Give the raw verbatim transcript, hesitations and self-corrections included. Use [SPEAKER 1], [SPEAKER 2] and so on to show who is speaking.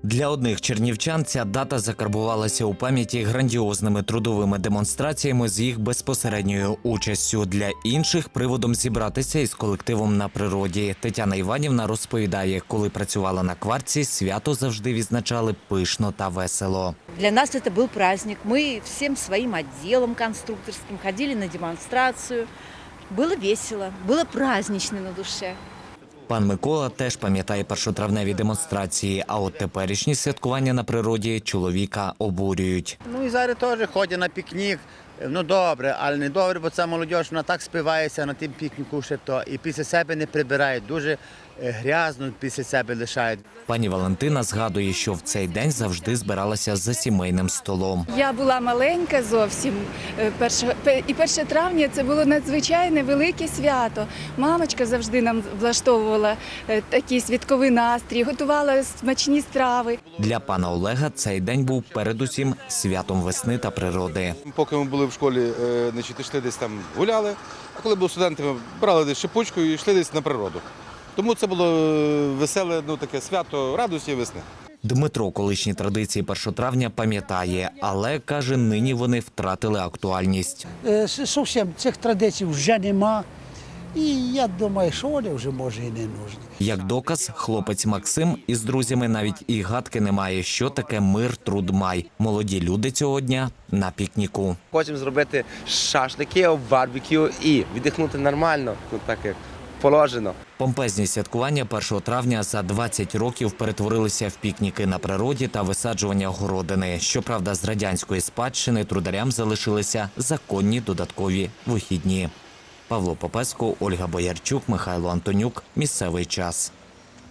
[SPEAKER 1] Для одних чернівчан ця дата закарбувалася у пам'яті грандіозними трудовими демонстраціями з їх безпосередньою участю. Для інших – приводом зібратися із колективом на природі. Тетяна Іванівна розповідає, коли працювала на квартці, свято завжди відзначали пишно та весело.
[SPEAKER 2] Для нас это был праздник. Мы всем своим отделом конструкторским ходили на демонстрацию. Было весело, было празднично на душе.
[SPEAKER 1] Пан Микола теж пам'ятає першотравневі демонстрації, а от теперішні святкування на природі чоловіка обурюють.
[SPEAKER 3] Ну і зараз теж ходять на пікнік. Ну добре, але не добре, бо ця молодь, вона так спивається на тим пікніку, що то, і після себе не прибирають, дуже грязно після себе лишають.
[SPEAKER 1] Пані Валентина згадує, що в цей день завжди збиралася за сімейним столом.
[SPEAKER 4] Я була маленька зовсім, і перше травня – це було надзвичайне велике свято. Мамочка завжди нам влаштовувала такий святковий настрій, готувала смачні страви.
[SPEAKER 1] Для пана Олега цей день був передусім святом весни та природи.
[SPEAKER 5] Поки ми були в школі, значить, йшли десь там гуляли, а коли були студентами, брали десь шипучку і йшли десь на природу. Тому це було веселе, ну, таке свято радості весни.
[SPEAKER 1] Дмитро колишні традиції першого травня пам'ятає, але, каже, нині вони втратили актуальність.
[SPEAKER 6] Зовсім цих традицій вже нема. І я думаю, що вони вже, може, і не нужні.
[SPEAKER 1] Як доказ, хлопець Максим із друзями навіть і гадки не має, що таке мир, труд, май. Молоді люди цього дня на пікніку.
[SPEAKER 7] Хочемо зробити шашлики, барбекю і віддихнути нормально, ну, так як положено.
[SPEAKER 1] Помпезні святкування першого травня за двадцять років перетворилися в пікніки на природі та висаджування городини. Щоправда, з радянської спадщини трударям залишилися законні додаткові вихідні. Павло Попеско, Ольга Боярчук, Михайло Антонюк. Місцевий час.